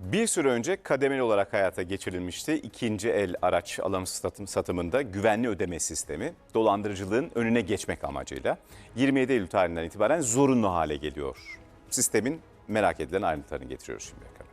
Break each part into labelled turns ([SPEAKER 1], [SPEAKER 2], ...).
[SPEAKER 1] Bir süre önce kademeli olarak hayata geçirilmişti. İkinci el araç alım satımında güvenli ödeme sistemi dolandırıcılığın önüne geçmek amacıyla 27 Eylül tarihinden itibaren zorunlu hale geliyor. Sistemin merak edilen ayrıntılarını getiriyoruz şimdi ekrana.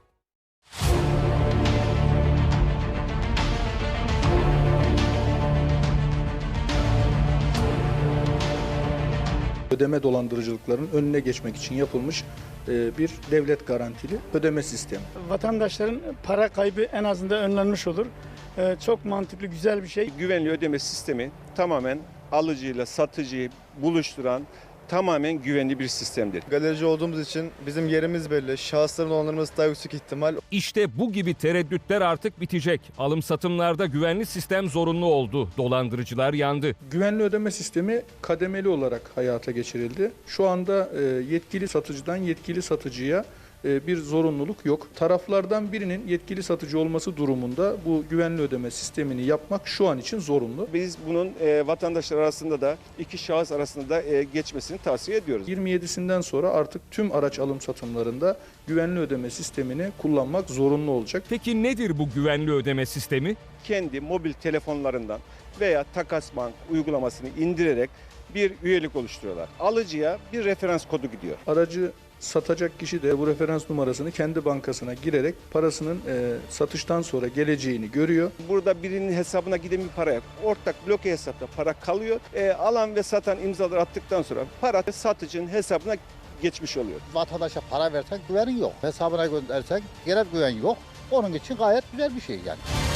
[SPEAKER 2] Ödeme dolandırıcılıklarının önüne geçmek için yapılmış bir devlet garantili ödeme sistemi.
[SPEAKER 3] Vatandaşların para kaybı en azından önlenmiş olur. Çok mantıklı, güzel bir şey.
[SPEAKER 4] Güvenli ödeme sistemi tamamen alıcıyla satıcıyı buluşturan tamamen güvenli bir sistemdir.
[SPEAKER 5] Galerici olduğumuz için bizim yerimiz belli. Şahısların dolandırılması daha yüksek ihtimal.
[SPEAKER 6] İşte bu gibi tereddütler artık bitecek. Alım satımlarda güvenli sistem zorunlu oldu. Dolandırıcılar yandı.
[SPEAKER 2] Güvenli ödeme sistemi kademeli olarak hayata geçirildi. Şu anda yetkili satıcıdan yetkili satıcıya bir zorunluluk yok. Taraflardan birinin yetkili satıcı olması durumunda bu güvenli ödeme sistemini yapmak şu an için zorunlu.
[SPEAKER 4] Biz bunun vatandaşlar arasında da iki şahıs arasında da geçmesini tavsiye ediyoruz.
[SPEAKER 2] 27'sinden sonra artık tüm araç alım satımlarında güvenli ödeme sistemini kullanmak zorunlu olacak.
[SPEAKER 6] Peki nedir bu güvenli ödeme sistemi?
[SPEAKER 4] Kendi mobil telefonlarından veya Takas Bank uygulamasını indirerek bir üyelik oluşturuyorlar. Alıcıya bir referans kodu gidiyor.
[SPEAKER 2] Aracı satacak kişi de bu referans numarasını kendi bankasına girerek parasının satıştan sonra geleceğini görüyor.
[SPEAKER 4] Burada birinin hesabına giden bir para yok. Ortak bloke hesapta para kalıyor. Alan ve satan imzaları attıktan sonra para satıcının hesabına geçmiş oluyor.
[SPEAKER 7] Vatandaşa para versek güvenin yok. Hesabına göndersek gene güven yok. Onun için gayet güzel bir şey yani.